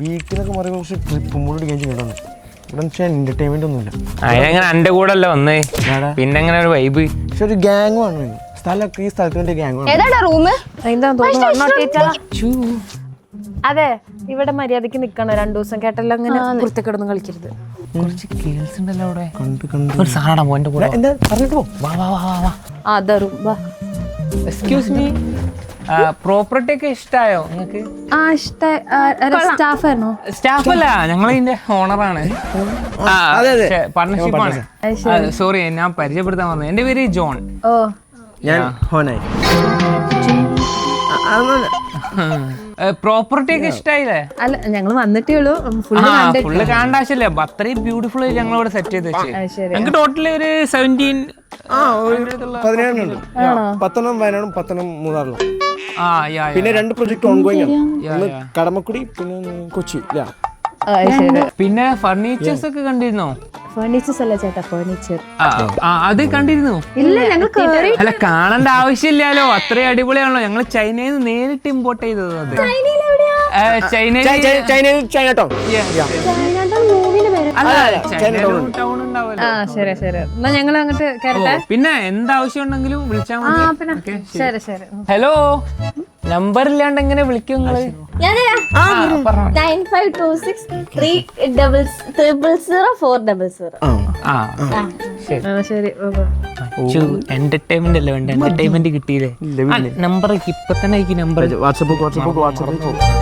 വീക്കിലൊക്കെ പറയുമ്പോൾ കുറച്ച് trip mood അടിക്കാൻ ചെയ്യണം. ഇവിടെ വെച്ചാൽ എന്റർടൈൻമെന്റ് ഒന്നുമില്ല. അതിനെങ്ങനെ എന്റെ കൂടെ അല്ലേ വന്നേ, പിന്നെ എങ്ങനെ ഒരു വൈബ്. പക്ഷെ ഒരു ഗ്യാങ് ആണ് സ്ഥലമൊക്കെ, ഈ സ്ഥലത്തിന്റെ ഗ്യാങ് ആണ്. അതെ, ഇവിടെ മര്യാദക്ക് നിക്കണം 2 ദിവസം കേട്ടല്ലോ. അങ്ങനെ പുറത്തേക്കിടന്ന് കളിക്കരുത്. കുറച്ച് കേൾസ് ഉണ്ടല്ലോ അവിടെ. കണ്ട് ഒരു സാധനം എന്റെ കൂടെ എന്താ പറഞ്ഞിട്ട് പോ. വാ വാ വാ വാ. അതറും വാ. എക്സ്ക്യൂസ് മീ, പ്രോപ്പർട്ടി ഒക്കെ ഇഷ്ടായോ നിങ്ങക്ക്? സ്റ്റാഫാണോ? സ്റ്റാഫ് അല്ല, ഞങ്ങളിതിന്റെ ഓണറാണ്, പാർട്ണർഷിപ്പാണ്. സോറി, ഞാൻ പരിചയപ്പെടുത്താൻ വന്നത്. എന്റെ പേര് ജോൺ. ഓ, ഞാൻ ഹോനായി. പ്രോപ്പർട്ടി ഒക്കെ ഇഷ്ടായില്ലേ? അല്ല, ഞങ്ങള് വന്നിട്ടേ ഉള്ളൂ. ഫുള്ള് കാണേണ്ട ആവശ്യമില്ല. അത്രയും ബ്യൂട്ടിഫുൾ ആയിട്ട് ഞങ്ങളിവിടെ സെറ്റ് ചെയ്ത് വെച്ച്. ഞങ്ങൾക്ക് ടോട്ടലി ഒരു 17 17 10 വയനാടും 10 മൂന്നാറിലും. പിന്നെ 2 പ്രൊജക്ട് ഓൺഗോയിങ് ആണ്. ഒന്ന് കടമക്കുടി, പിന്നെ കൊച്ചി. പിന്നെ ഫർണിച്ചേഴ്സ് ഒക്കെ കണ്ടിരുന്നോ? ഫർണിച്ചേഴ്സ് അല്ല ചേട്ടാ, ഫർണിച്ചർ. അത് കണ്ടിരുന്നു. ഇല്ല, ഞങ്ങൾ അല്ല, കാണേണ്ട ആവശ്യമില്ലല്ലോ, അത്രയും അടിപൊളിയാണല്ലോ. ഞങ്ങൾ ചൈനയിൽ നിന്ന് നേരിട്ട് ഇമ്പോർട്ട് ചെയ്തത്. അത് ചൈനയിൽ ടൗൺ ഉണ്ടാവുമല്ലോ. ശരി ശരി, എന്നാ ഞങ്ങൾ അങ്ങോട്ട് കയറട്ടെ. പിന്നെ എന്താവശ്യം ഉണ്ടെങ്കിലും വിളിച്ചാൽ മതി. ശരി ശരി. ഹലോ, നമ്പർ ഇല്ലാണ്ട് എങ്ങനെ വിളിക്കും നിങ്ങള്? 9526300400. ശരി. എന്റർടൈൻമെന്റ് അല്ലേ വേണ്ട, എന്റർടൈൻമെന്റ് കിട്ടിയില്ലേ? നമ്പർ ഇപ്പൊ തന്നെ നമ്പർ വാട്സപ്പ്